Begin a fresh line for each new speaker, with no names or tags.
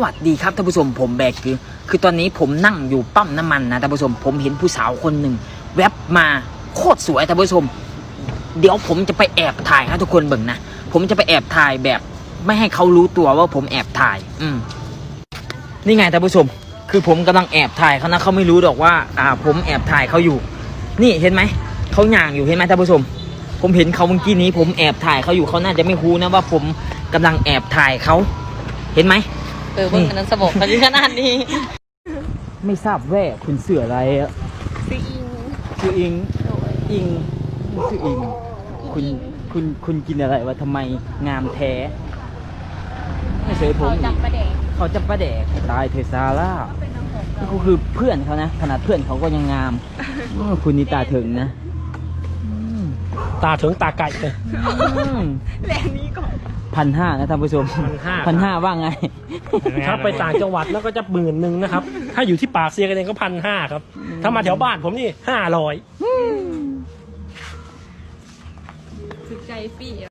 วัสดีครับท่านผู้ชมผมแบกคือตอนนี้ผมนั่งอยู่ปั๊มน้ำมันนะท่านผู้ชมผมเห็นผู้สาวคนหนึ่งแวบมาโคตรสวยท่านผู้ชมเดี๋ยวผมจะไปแอบถ่ายครับทุกคนเบิ่งนะผมจะไปแอบถ่ายแบบไม่ให้เขารู้ตัวว่าผมแอบถ่ายนี่ไงท่านผู้ชมคือผมกำลังแอบถ่ายเขานะเขาไม่รู้หรอกว่าผมแอบถ่ายเขาอยู่นี่เห็นไหมเขาย่างอยู่เห็นไหมท่านผู้ชมผมเห็นเขาเมื่อกี้นี้ผมแอบถ่ายเขาอยู่เขาน่าจะไม่รู้นะว่าผมกำลังแอบถ่ายเขาเห็นไหม
เบิ่งนั้นสมองมันขนาดนี้
ไม่ทราบแว่คุณเสืออะไรอะชื่ออิงชื่ออิงคุณกินอะไรวะทำไมงามแท้ไม่เฉยผมเขาจะประแดกตายเทซาร่าก็คือเพื่อนเขานะขนาดเพื่อนเขาก็ยังงามคุณนี่ตาถึงนะ
ตาถึงตาไก่เลย
แรงนี้ก่อน
1,500นะท่านผู้ชม1,500ว่าไง
ถ้าไปต่างจังหวัดแล้วก็จะ10,000นะครับ ถ้าอยู่ที่ปากเซียกันเองก็1,500ครับ ถ้ามาแถวบ้านผมนี่500
สุดใจปี่